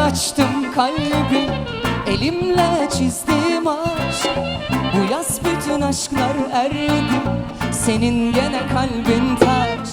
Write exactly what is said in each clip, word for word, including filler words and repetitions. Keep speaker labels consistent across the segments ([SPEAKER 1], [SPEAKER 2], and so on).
[SPEAKER 1] açtım kalbi, elimle çizdim aşk. Bu yaz bütün aşklar erdi, senin gene kalbin taş.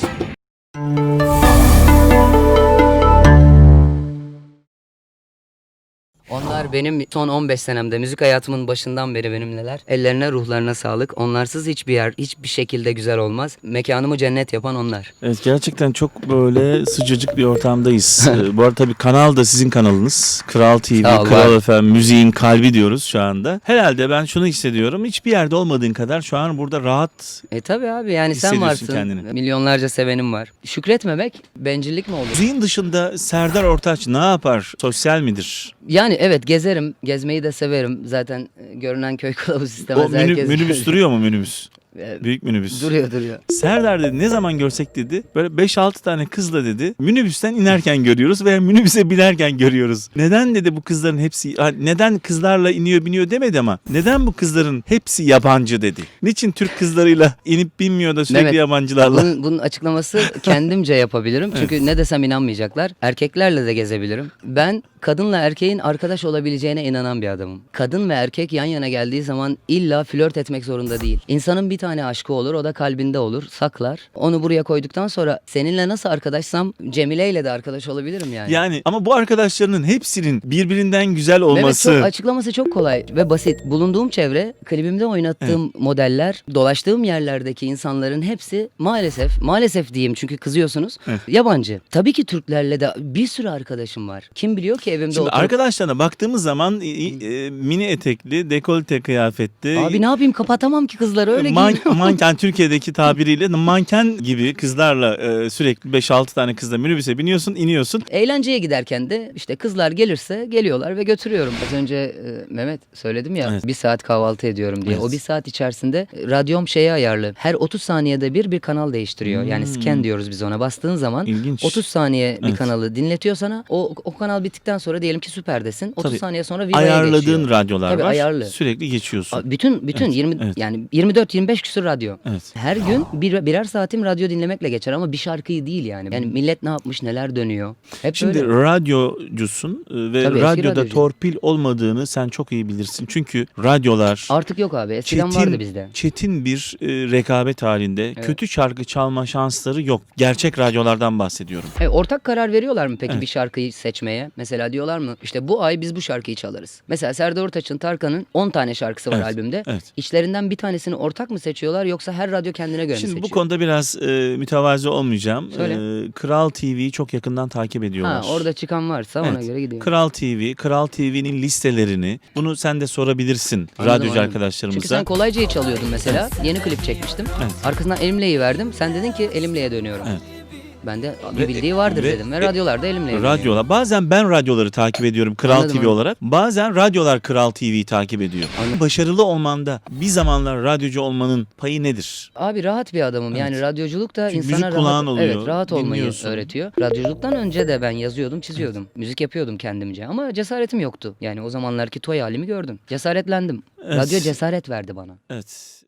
[SPEAKER 1] Onlar benim son on beş senemde, müzik hayatımın başından beri benimleler. Ellerine, ruhlarına sağlık. Onlarsız hiçbir yer, hiçbir şekilde güzel olmaz. Mekanımı cennet yapan onlar.
[SPEAKER 2] Evet, gerçekten çok böyle sıcacık bir ortamdayız. Ee, Bu arada tabii kanal da sizin kanalınız. Kral T V,
[SPEAKER 1] Sağ ol,
[SPEAKER 2] Kral
[SPEAKER 1] var.
[SPEAKER 2] F M, müziğin kalbi diyoruz şu anda. Herhalde ben şunu hissediyorum. Hiçbir yerde olmadığın kadar şu an burada rahat.
[SPEAKER 1] E tabi abi, yani sen
[SPEAKER 2] Hissediyorsun
[SPEAKER 1] varsın.
[SPEAKER 2] kendini.
[SPEAKER 1] Milyonlarca sevenim var. Şükretmemek bencillik mi olur?
[SPEAKER 2] Müziğin dışında Serdar Ortaç ne yapar? Sosyal midir?
[SPEAKER 1] Yani evet, gezerim. Gezmeyi de severim. Zaten e, görünen köy kılavuz istemez.
[SPEAKER 2] O minü-
[SPEAKER 1] herkes.
[SPEAKER 2] minibüs duruyor mu minibüs?
[SPEAKER 1] E,
[SPEAKER 2] Büyük minibüs.
[SPEAKER 1] Duruyor duruyor.
[SPEAKER 2] Serdar dedi, ne zaman görsek dedi, böyle beş altı tane kızla dedi minibüsten inerken görüyoruz veya minibüse binerken görüyoruz. Neden dedi bu kızların hepsi, ha, neden kızlarla iniyor biniyor demedi ama neden bu kızların hepsi yabancı dedi. Niçin Türk kızlarıyla inip binmiyor da sürekli
[SPEAKER 1] Mehmet,
[SPEAKER 2] yabancılarla?
[SPEAKER 1] Bunun, bunun açıklaması kendimce yapabilirim. Çünkü ne desem inanmayacaklar. Erkeklerle de gezebilirim. Ben kadınla erkeğin arkadaş olabileceğine inanan bir adamım. Kadın ve erkek yan yana geldiği zaman illa flört etmek zorunda değil. İnsanın bir tane aşkı olur, o da kalbinde olur, saklar. Onu buraya koyduktan sonra seninle nasıl arkadaşsam Cemile ile de arkadaş olabilirim yani.
[SPEAKER 2] Yani ama bu arkadaşlarının hepsinin birbirinden güzel olması.
[SPEAKER 1] Evet, çok, açıklaması çok kolay ve basit. Bulunduğum çevre, klibimde oynattığım modeller, dolaştığım yerlerdeki insanların hepsi maalesef, maalesef diyeyim çünkü kızıyorsunuz,
[SPEAKER 2] Evet.
[SPEAKER 1] yabancı. Tabii ki Türklerle de bir sürü arkadaşım var. Kim biliyor ki evimde
[SPEAKER 2] Şimdi
[SPEAKER 1] oturup...
[SPEAKER 2] arkadaşlarına baktığımız zaman e, e, mini etekli, dekolte kıyafetli.
[SPEAKER 1] Abi ne yapayım, kapatamam ki kızları, öyle
[SPEAKER 2] Man-
[SPEAKER 1] giyiniyor.
[SPEAKER 2] manken Türkiye'deki tabiriyle manken gibi kızlarla e, sürekli beş altı tane kızla minibüse biniyorsun, iniyorsun.
[SPEAKER 1] Eğlenceye giderken de işte kızlar gelirse geliyorlar ve götürüyorum. Az önce e, Mehmet söyledim ya,
[SPEAKER 2] Evet.
[SPEAKER 1] bir saat kahvaltı ediyorum diye.
[SPEAKER 2] Evet.
[SPEAKER 1] O bir saat içerisinde e, radyom şeye ayarlı. Her otuz saniyede bir bir kanal değiştiriyor. Yani
[SPEAKER 2] Hmm.
[SPEAKER 1] scan diyoruz biz ona. Bastığın zaman
[SPEAKER 2] İlginç.
[SPEAKER 1] otuz saniye bir
[SPEAKER 2] Evet.
[SPEAKER 1] kanalı dinletiyor sana. O, o kanal bittikten sonra diyelim ki Süper'desin. otuz
[SPEAKER 2] Tabii.
[SPEAKER 1] saniye sonra Viva'ya
[SPEAKER 2] Ayarladığın
[SPEAKER 1] geçiyor.
[SPEAKER 2] radyolar
[SPEAKER 1] Tabii
[SPEAKER 2] var.
[SPEAKER 1] ayarlı.
[SPEAKER 2] Sürekli geçiyorsun.
[SPEAKER 1] A- Bütün bütün
[SPEAKER 2] Evet,
[SPEAKER 1] yirmi
[SPEAKER 2] evet.
[SPEAKER 1] yani yirmi dört yirmi beş küsur radyo.
[SPEAKER 2] Evet.
[SPEAKER 1] Her gün bir, birer saatim radyo dinlemekle geçer ama bir şarkıyı değil yani. Yani millet ne yapmış, neler dönüyor. Hep
[SPEAKER 2] Şimdi
[SPEAKER 1] böyle.
[SPEAKER 2] radyocusun e, ve
[SPEAKER 1] Tabii, eski
[SPEAKER 2] radyoda
[SPEAKER 1] radyocu.
[SPEAKER 2] torpil olmadığını sen çok iyi bilirsin. Çünkü radyolar
[SPEAKER 1] Artık yok abi. Eskiden vardı bizde.
[SPEAKER 2] çetin bir e, rekabet halinde. Kötü şarkı çalma şansları yok. Gerçek radyolardan bahsediyorum.
[SPEAKER 1] E, ortak karar veriyorlar mı peki
[SPEAKER 2] Evet.
[SPEAKER 1] bir şarkıyı seçmeye? Mesela diyorlar mı işte bu ay biz bu şarkıyı çalarız. Mesela Serdar Ortaç'ın, Tarkan'ın on tane şarkısı var
[SPEAKER 2] Evet,
[SPEAKER 1] albümde.
[SPEAKER 2] evet.
[SPEAKER 1] İçlerinden bir tanesini ortak mı seçiyorlar yoksa her radyo kendine göre mi
[SPEAKER 2] Şimdi
[SPEAKER 1] seçiyor?
[SPEAKER 2] bu konuda biraz e, mütevazi olmayacağım.
[SPEAKER 1] Söyle.
[SPEAKER 2] E, Kral T V'yi çok yakından takip ediyorlar.
[SPEAKER 1] Ha, orada çıkan varsa ona
[SPEAKER 2] Evet.
[SPEAKER 1] göre gidiyor.
[SPEAKER 2] Kral T V, Kral T V'nin listelerini, bunu sen de sorabilirsin
[SPEAKER 1] Anladım,
[SPEAKER 2] radyocu
[SPEAKER 1] anladım.
[SPEAKER 2] arkadaşlarımıza.
[SPEAKER 1] Çünkü sen Kolayca'yı çalıyordun mesela. Yeni klip çekmiştim.
[SPEAKER 2] Evet.
[SPEAKER 1] Arkasından Elimle'yi verdim. Sen dedin ki Elimle'ye dönüyorum.
[SPEAKER 2] Evet.
[SPEAKER 1] Ben de
[SPEAKER 2] Ve-
[SPEAKER 1] bir bildiği vardır
[SPEAKER 2] ve-
[SPEAKER 1] dedim ve
[SPEAKER 2] e,
[SPEAKER 1] radyolarda Elimle'ye dönüyorum.
[SPEAKER 2] Radyolar. Bazen ben radyoları takip ediyorum Kral
[SPEAKER 1] Anladım,
[SPEAKER 2] T V
[SPEAKER 1] anladım.
[SPEAKER 2] olarak. Bazen radyolar Kral T V'yi takip ediyor.
[SPEAKER 1] Anladım.
[SPEAKER 2] Başarılı olmanda bir zamanlar radyocu olmanın payı nedir?
[SPEAKER 1] Abi rahat bir adamım. Yani
[SPEAKER 2] Evet.
[SPEAKER 1] radyoculuk da
[SPEAKER 2] Çünkü
[SPEAKER 1] insana
[SPEAKER 2] müzik kulağın
[SPEAKER 1] rahat,
[SPEAKER 2] oluyor,
[SPEAKER 1] evet, rahat olmayı
[SPEAKER 2] dinliyorsun.
[SPEAKER 1] öğretiyor. Radyoculuktan önce de ben yazıyordum, çiziyordum. Müzik yapıyordum kendimce ama cesaretim yoktu. Yani o zamanlarki toy halimi gördüm. Cesaretlendim.
[SPEAKER 2] Evet.
[SPEAKER 1] Radyo cesaret verdi bana.
[SPEAKER 2] Evet.